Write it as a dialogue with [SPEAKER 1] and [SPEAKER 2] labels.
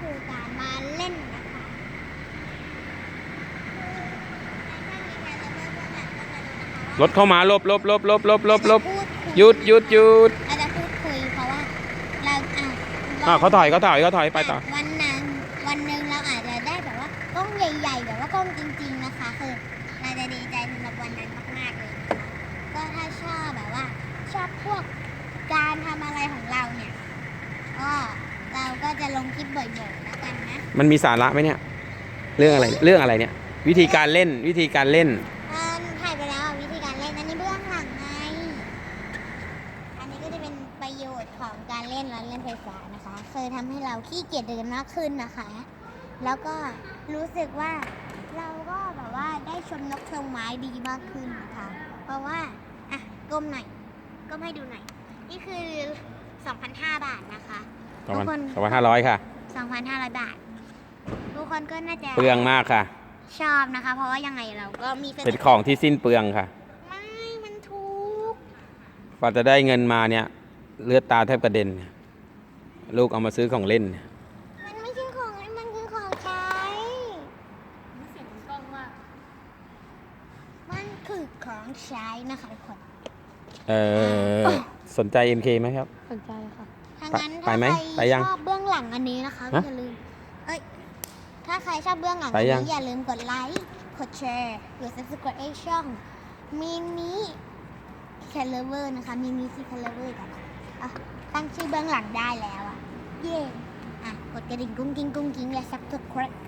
[SPEAKER 1] คือการมาเล่นนะคะ
[SPEAKER 2] รถเข้ามาลบหยุด
[SPEAKER 1] เราจะพูดคุยเพราะว่าเรา
[SPEAKER 2] เขาถอยไปต่อ
[SPEAKER 1] วันหนึ่งเราอาจจะได้แบบว่ากล้องใหญ่ๆแบบว่ากล้องจริงๆนะคะคือเราจะดีใจสำหรับวันนั้นมากๆเลยนะคะก็ถ้าชอบแบบว่าชอบพวกการทำอะไรของเราเนี่ยก็เราก็จะลงคลิปบ่อยๆแล้วกันนะ
[SPEAKER 2] มันมีสาระไหมเนี่ยเรื่องอะไรเนี่ย วิธีการเล่น
[SPEAKER 1] ถ่ายไปแล้ววิธีการเล่นอันนี้เบื้องหลังไงอันนี้ก็จะเป็นประโยชน์ของการเล่นรถเล่นไฟฟ้านะคะเคยทำให้เราขี้เกียจเดินมากขึ้นนะคะแล้วก็รู้สึกว่าเราก็แบบว่าได้ชมนกชมไม้ดีมากขึ้นนะคะเพราะว่าอ่ะก้มหน่อยก้มให้ดูหน่อยนี่คือ 2,500 บาทนะคะทุกคน
[SPEAKER 2] 2,500 ค่ะ
[SPEAKER 1] 2,500 บาททุกคนก็น่าจะ
[SPEAKER 2] เปลืองมากค่ะ
[SPEAKER 1] ชอบนะคะเพราะว่ายังไงเราก็มี
[SPEAKER 2] เป็นของที่สิ้นเปลืองค่ะ
[SPEAKER 1] ไม่มันถูก
[SPEAKER 2] กว่าจะได้เงินมาเนี่ยเลือดตาแทบกระเด็นลูกเอามาซื้อของเล่น
[SPEAKER 1] มันไม่ใช่ของเล่นมันคือของใช้เสียงกล้องมากมันคือของใช้นะคะทุกคน
[SPEAKER 2] สนใจ MK ไหมครับ
[SPEAKER 1] สนใจค่ะถ้างั้น
[SPEAKER 2] ไปไหม
[SPEAKER 1] ถ้า
[SPEAKER 2] ไป
[SPEAKER 1] ใคร
[SPEAKER 2] ยัง
[SPEAKER 1] ชอบเบื้องหลังอันนี้นะคะอย่าลืมถ้าใครชอบเบื้องหลังอันนี้อย่าลืมกดไลค์กดแชร์กด subscribe ช่องมินิแคลเวอร์นะคะมินิซีแคลเวอร์กันตั้งชื่อเบื้องหลังได้แล้วเย่กดกระดิ่งกุ้งกิ้งและ subscribe